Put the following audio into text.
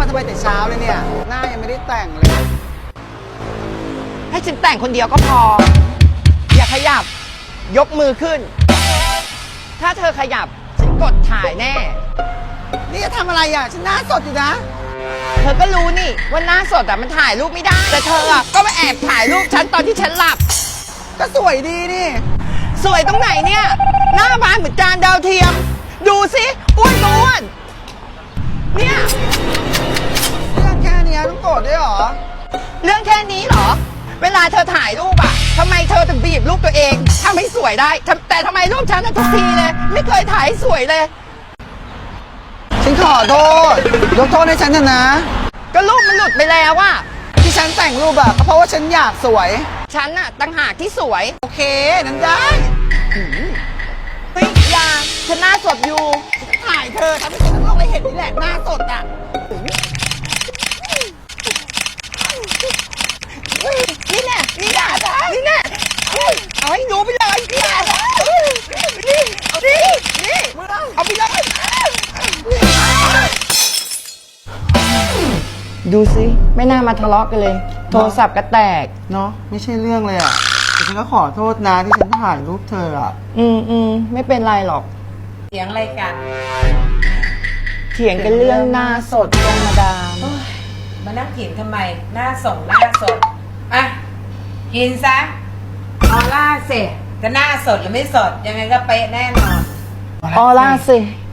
ทำไมแต่เช้าเลยเนี่ยหน้ายังไม่ได้แต่งเลยให้ฉันแต่งคนเดียวก็พอ อย่าขยับ ยกมือขึ้น ถ้าเธอขยับ ฉันกดถ่ายแน่นี่จะทำอะไรอ่ะฉันหน้าสดอยู่นะเธอก็รู้นี่ว่าหน้าสดอะมันถ่ายรูปไม่ได้ แต่เธออะก็มาแอบถ่ายรูปฉันตอนที่ฉันหลับก็สวยดีนี่สวยตรงไหนเนี่ย หน้าบานเหมือนจานดาวเทียม ดูสิอ้วนอ้วนเนี่ยเรื่องแค่เนี้ยต้องโกรธด้วยเหรอเรื่องแค่นี้เหรอ เวลาเธอถ่ายรูปอะทำไมเธอถึงบีบรูปตัวเองทำให้สวยได้แต่ทำไมรูปฉันอะทุกทีเลย ไม่เคยถ่ายให้สวยเลยฉันขอโทษยกโทษให้ฉันเถอะนะก็รูปมันหลุดไปแล้วอะที่ฉันแต่งรูปอะก็เพราะว่าฉันอยากสวยฉันอะตั้งหากที่สวยโอเคนั้นได้เฮ้ยอยาฉันหน้าสดอยู่ถ่ายเธอทำให้คนทั้งโลกได้เห็นนี่แหละหน้าสดอะนี่แน่นี่แน่นี่แน่เอาให้รู้ไปเลยนี่แน่นี่นี่เอาไปเลยดูสิไม่น่ามาทะเลาะกันเลย โทรศัพท์ก็แตกเนาะไม่ใช่เรื่องเลยอะแต่ฉันก็ขอโทษนะที่ฉันถ่ายรูปเธออะไม่เป็นไรหรอกเสียงอะไรกันเถียงกันเรื่องหน้าสดธรรมดามานั่งกินทำไม หน้าส่งหน้าสด อ่ะ กินซะออล่าเสร็จจะหน้าสดหรือไม่สด ยังไงก็เป๊ะแน่นอนออร่าสิ